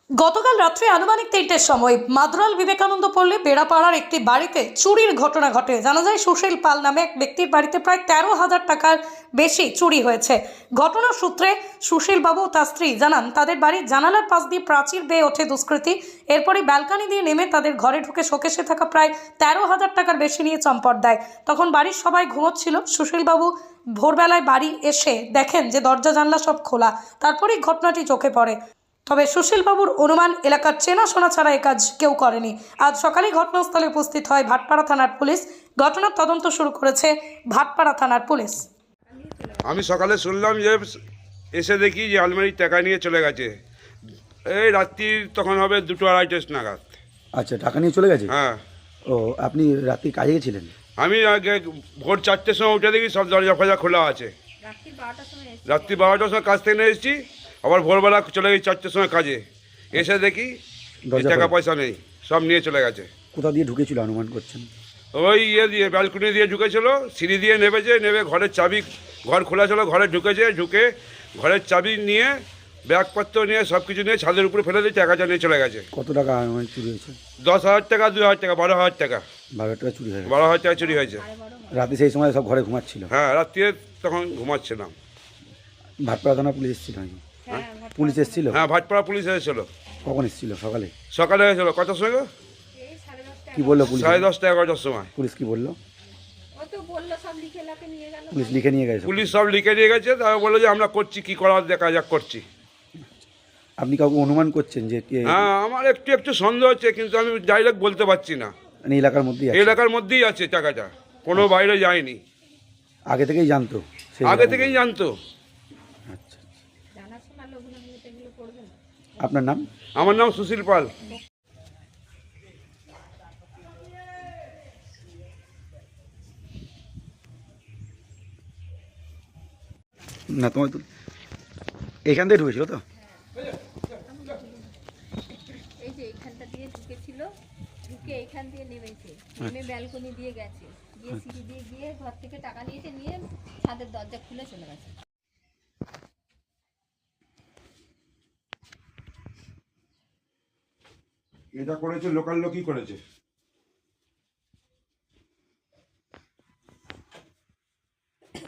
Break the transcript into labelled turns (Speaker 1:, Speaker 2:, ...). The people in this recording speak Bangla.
Speaker 1: গতকাল রাত্রে আনুমানিক ৩টের সময় মাদরাল বিবেকানন্দ পল্লী বেড়াপাড়ার একটি বাড়িতে চুরির ঘটনা ঘটে। জানা যায় সুশীল পাল নামে এক ব্যক্তির বাড়িতে প্রায় ১৩,০০০ টাকার বেশি চুরি হয়েছে। ঘটনার সূত্রে সুশীল বাবু ও তার স্ত্রী জানান তাদের বাড়ির জানালার পাশ দিয়ে প্রাচীর বেয়ে ওঠে দুষ্কৃতী। এরপরই ব্যালকনি দিয়ে নেমে তাদের ঘরে ঢুকে শোকেসে থাকা প্রায় ১৩,০০০ টাকার বেশি নিয়ে চম্পট দেয়। তখন বাড়ির সবাই ঘুমোচ্ছিল। সুশীল বাবু ভোরবেলায় বাড়ি এসে দেখেন যে দরজা জানলা সব খোলা। তারপরেই ঘটনাটি চোখে পড়ে। তবে সুশীলবাবুর অনুমান এলাকার চেনাশোনা ছাড়া এ কাজ কেউ করেনি। আজ সকালে ঘটনাস্থলে উপস্থিত হয় ভাটপাড়া থানার পুলিশ। ঘটনার তদন্ত শুরু করেছে ভাটপাড়া থানার পুলিশ।
Speaker 2: আমি সকালে শুনলাম যে এসে দেখি যে আলমারির টাকা নিয়ে চলে গেছে। এই রাত্রির তখন হবে 2-2:30 নাগাদ।
Speaker 3: আচ্ছা, টাকা নিয়ে চলে গেছে?
Speaker 2: হ্যাঁ।
Speaker 3: ও, আপনি রাত্রি কাজে গেছিলেন?
Speaker 2: আমি আগে ভোর 4টের সময় উঠে দেখি সব দরজা ফজা খোলা আছে। রাত্রি 12টার সময় কাজ থেকে এসেছি, আবার ভোরবেলা চলে গেছি 4টের সময় কাজে। এসে দেখি টাকা পয়সা নেই, সব নিয়ে চলে গেছে।
Speaker 3: কোথা দিয়ে ঢুকেছিল অনুমান করছেন?
Speaker 2: ওই দিয়ে ব্যালকনি দিয়ে ঢুকেছিল, সিঁড়ি দিয়ে নেমে ঘরের চাবি, ঘর খোলা ছিল, ঘরে ঢুকে ঘরের চাবি নিয়ে ব্যাগপত্র নিয়ে সব কিছু নিয়ে ছাদের উপরে ফেলে দিয়ে টাকাটা নিয়ে চলে গেছে।
Speaker 3: কত টাকা অনুমান চুরি হয়েছে?
Speaker 2: 10,000 টাকা, 2,000 টাকা, 12,000 টাকা।
Speaker 3: 12 টাকা চুরি হয়েছে?
Speaker 2: 12,000 টাকা চুরি হয়েছে।
Speaker 3: রাতে সেই সময় সব ঘরে ঘুমাচ্ছিল?
Speaker 2: হ্যাঁ, রাত্রিরে তখন ঘুমাচ্ছিলাম।
Speaker 3: ভাটপাড়া থানা পুলিশ এসেছিল নাকি? পুলিশ এসেছিল?
Speaker 2: হ্যাঁ, ভাটপাড়া পুলিশ এসেছিল।
Speaker 3: কখন এসেছিল? সকালে?
Speaker 2: সকালে এসেছিল। কটার সময়?
Speaker 3: কি বললো পুলিশ?
Speaker 2: 10:30 11টার সময়।
Speaker 3: পুলিশ কি বললো?
Speaker 1: পুলিশ
Speaker 3: লিখে নিয়ে গেছে?
Speaker 2: পুলিশ সব লিখে নিয়ে গেছে। তারা বললো যে আমরা করছি, কি করার দেখা যাক করছি।
Speaker 3: আপনি কাউকে অনুমান করছেন যে
Speaker 2: হ্যাঁ, আমার একটু সন্দেহ হচ্ছে, কিন্তু আমি ডাইরেক্ট বলতে পারছি না।
Speaker 3: মানে এলাকার মধ্যেই আছে?
Speaker 2: এলাকার মধ্যেই আছে টাকাটা, কোনো বাইরে যায়নি।
Speaker 3: আগে থেকেই জানতো?
Speaker 2: আগে থেকেই জানতো।
Speaker 3: আচ্ছা, আপনার নাম?
Speaker 2: আমার নাম সুশীল পাল।
Speaker 3: না, তোমার তো এখান থেকে ঢুকেছিল তো?
Speaker 4: এই যে এইখানটা দিয়ে ঢুকেছিল, ঢুকে এইখান দিয়ে নেমেছে, নেমে ব্যালকনি দিয়ে গেছে, গিয়ে সিঁড়ি দিয়ে গিয়ে ঘর থেকে টাকা নিয়েছে, নিয়ে ছাদের দরজা খুলে চলে গেছে।
Speaker 2: এটা করেছে লোকাল লোকই করেছে।